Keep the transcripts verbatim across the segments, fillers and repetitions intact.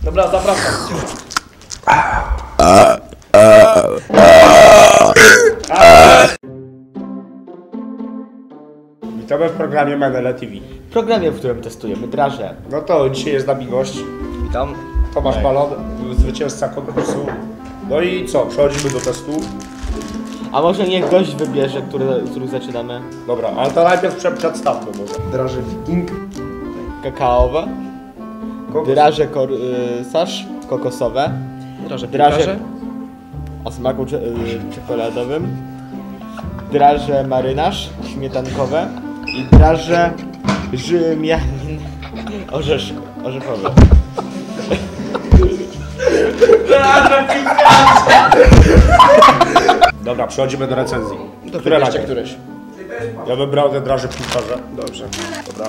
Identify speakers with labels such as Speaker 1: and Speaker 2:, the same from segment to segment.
Speaker 1: Dobra, zapraszam.
Speaker 2: Witamy w programie Menele T V.
Speaker 3: W programie, w którym testujemy draże.
Speaker 2: No to dzisiaj jest z nami gość.
Speaker 3: Witam.
Speaker 2: Tomasz Balon, zwycięzca konkursu. No i co? Przechodzimy do testu.
Speaker 3: A może niech gość wybierze, który, który zaczynamy?
Speaker 2: Dobra, ale to najpierw prze- przedstawmy może. Draże Wiking.
Speaker 3: Kakaowe,
Speaker 2: Kokos.
Speaker 3: draże korsarz, kokosowe,
Speaker 1: Draże
Speaker 3: draże o smaku cze- y, czekoladowym, draże marynarz, śmietankowe i draże rzymianin orzesz, orzechowe.
Speaker 2: Dobra, przechodzimy do recenzji.
Speaker 1: To
Speaker 2: Które
Speaker 1: wybierzcie
Speaker 2: najpierw?
Speaker 1: któreś.
Speaker 2: Ja wybrał te draże piłkarze. Dobrze. Dobra.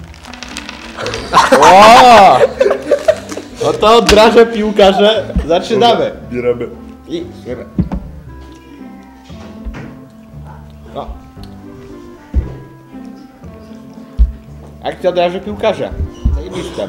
Speaker 3: O! No to draże piłkarze, zaczynamy.
Speaker 2: Bierzemy.
Speaker 3: I... No. Akcja draże piłkarze. Zajebiste.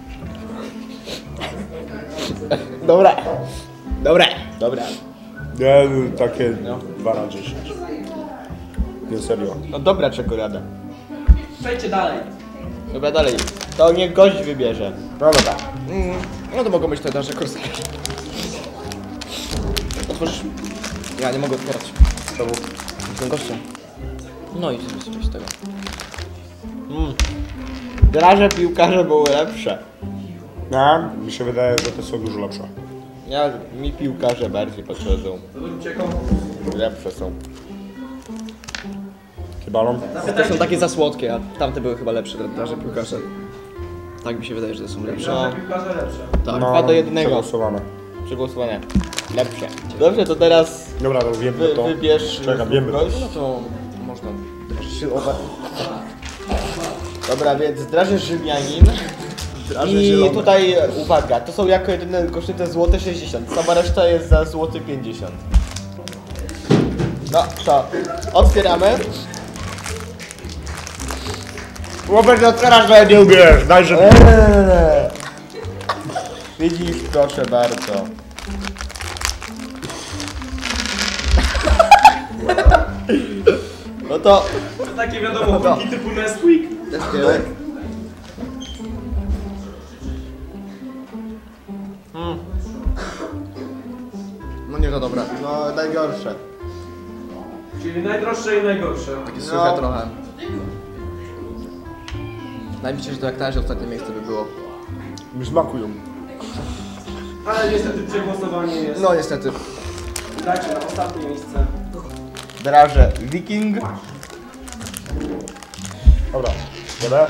Speaker 3: Dobra. Dobra. Dobra.
Speaker 2: Nie, takie dwa na dziesięć. Nie, serio.
Speaker 3: No dobra czekolada.
Speaker 1: Przejdźcie dalej.
Speaker 3: Dobra, dalej. To niech gość wybierze.
Speaker 2: No dobra.
Speaker 1: Mm, no to mogą być te draże korsarze. Otworzysz? Ja nie mogę otwierać.
Speaker 2: Czemu?
Speaker 1: Jestem gościem. No i sobie coś z tego.
Speaker 3: Mm. Draże piłkarze były lepsze.
Speaker 2: No, mi się wydaje, że te są dużo lepsze.
Speaker 3: Ja, mi piłkarze bardziej podchodzą. Lepsze są.
Speaker 2: Chyba no.
Speaker 1: Te są takie za słodkie, a tamte były chyba lepsze, te draże piłkarze. Tak mi się wydaje, że to są lepsze.
Speaker 3: No,
Speaker 1: Tak.
Speaker 3: dwa do jednego.
Speaker 2: Przegłosowane.
Speaker 3: Przegłosowane. Lepsze. Dobrze, to teraz
Speaker 2: Dobra, to wiemy
Speaker 3: wy,
Speaker 2: to.
Speaker 3: wybierz
Speaker 2: Czekam, wiemy to.
Speaker 3: gość.
Speaker 1: No to można draże
Speaker 3: Siłowe. Dobra, więc draże Rzymianin.
Speaker 1: Draże
Speaker 3: I
Speaker 1: zielone.
Speaker 3: tutaj uwaga, to są jako jedyne kosztuje złote sześćdziesiąt, sama reszta jest za złoty pięćdziesiąt. No to otwieramy.
Speaker 2: Łopek, otwierasz, że nie umiesz. Daj, że...
Speaker 3: Eee. Widzisz, proszę bardzo. No to
Speaker 4: To takie wiadomo, kulki typu Nesquik.
Speaker 3: testujemy. Mm.
Speaker 1: No nie to dobra.
Speaker 3: No najgorsze.
Speaker 4: Czyli najdroższe i najgorsze.
Speaker 1: Takie
Speaker 3: No.
Speaker 1: suche trochę. Wydaje mi się, że to jak na razie ostatnie miejsce by było.
Speaker 2: Mi smakują.
Speaker 4: Ale niestety przegłosowanie jest.
Speaker 1: No niestety.
Speaker 4: Dajcie na ostatnie miejsce.
Speaker 3: Draże Wiking.
Speaker 2: Dobra, dobra.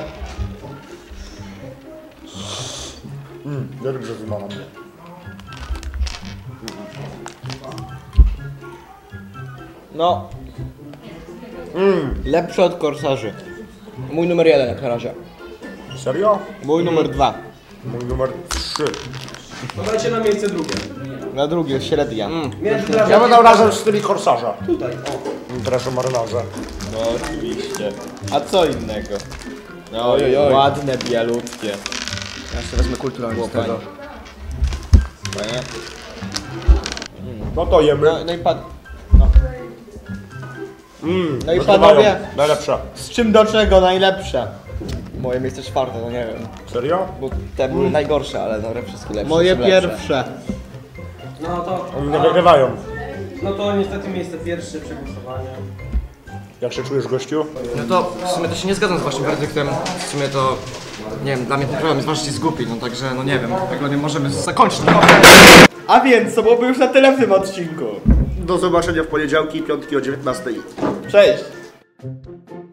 Speaker 2: Mmm, ja dobrze wymawiam mnie.
Speaker 3: No. Mm, lepsze od korsarzy.
Speaker 1: Mój numer jeden jak na razie.
Speaker 2: Serio?
Speaker 3: Mój numer dwa.
Speaker 2: Mój numer trzy.
Speaker 4: To dajcie na miejsce drugie.
Speaker 3: Na drugie średnia.
Speaker 4: Między drażami.
Speaker 2: Ja będę razem z tymi korsarza.
Speaker 4: Tutaj, o.
Speaker 2: Draże marynarze.
Speaker 3: No oczywiście. A co innego? No
Speaker 1: Oj, oj, oj.
Speaker 3: ładne, bialutkie.
Speaker 1: Ja jeszcze wezmę kulturalnie z tego.
Speaker 3: Fajnie.
Speaker 2: No to jemy.
Speaker 3: No, no i pan... No.
Speaker 2: Mmm,
Speaker 3: No i panowie,
Speaker 2: najlepsza.
Speaker 3: z czym do czego najlepsze?
Speaker 1: Moje miejsce czwarte, no nie wiem.
Speaker 2: Serio?
Speaker 1: Bo te były najgorsze, ale dobra, wszystkie lepsze.
Speaker 3: Moje
Speaker 1: są lepsze.
Speaker 3: pierwsze.
Speaker 4: No to.
Speaker 2: Oni nie wygrywają.
Speaker 4: No to niestety miejsce pierwsze przegłosowanie.
Speaker 2: Jak się czujesz, gościu?
Speaker 1: No to w sumie to się nie zgadzam z waszym werdyktem. W sumie to, nie wiem, dla mnie ten program jest właśnie zgłupi, no także, no nie wiem, jak nie możemy zakończyć. No.
Speaker 3: A więc, to byłoby już na tyle w tym odcinku.
Speaker 2: Do zobaczenia w poniedziałki, piątki o dziewiętnastej.
Speaker 3: Cześć!